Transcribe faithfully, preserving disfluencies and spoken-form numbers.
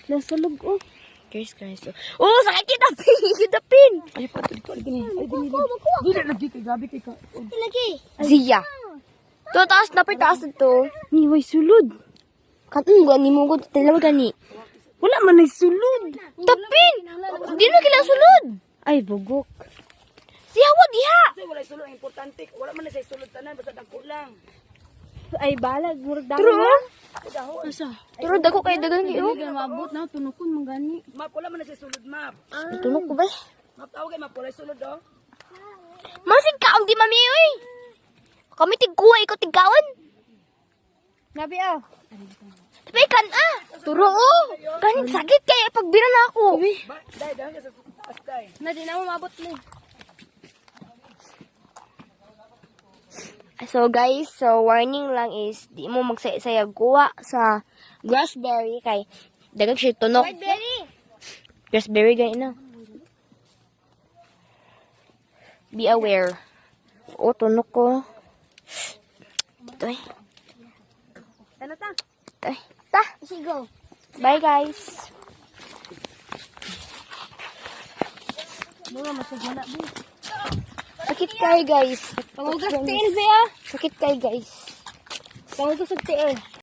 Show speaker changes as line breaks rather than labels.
Nasa loob, oh.
Guys, guys. Oh, oh sakit kita pin. Kita pin.
Ay, pato dito. Ay, gini. Ay, gini. Dili, lagi kay gabi kay ka.
Lagi. Zia. To, taas na pa, taas na to.
Ni, way sulod.
Katong gani mo ko, talawa gani.
Wala man ay sulod.
Tapin! Di na kailang sulod.
Ay, bugok.
Siya, wag diha.
Kasi wala sulod ang importante. Wala man na sa sulod tanan basta dagko lang.
Ay, balag. Murag dami
True.
na. Asa?
Pero dako kay dagan kayo.
Hindi ka mabot na. Tunukon mong gani.
Map wala man na sa sulod map.
Tunok ko ba?
Map tawag kay map wala sulod do.
Masig ka, ang di mami, oy. Kami tigkuha, ikaw tigkawan.
Nabi, ah.
Tapi kan, ah. Turo, oh. Kanin sakit kaya pagbira na ako.
Ba, dai dai sa taas dai.
Na, di na mo mabot ni.
So guys, so warning lang is di mo magsayag kuha sa grassberry kay dagang siya tunok. Grassberry gani na. Be aware. O tunok ko. Ito eh.
Ano ta?
Ito eh. Ta.
Sigo.
Bye guys.
Mga masagana, bu.
Sakit kayo guys.
Pangugas tiil, be, ah.
Sakit kayo guys.
Pangugas tiil.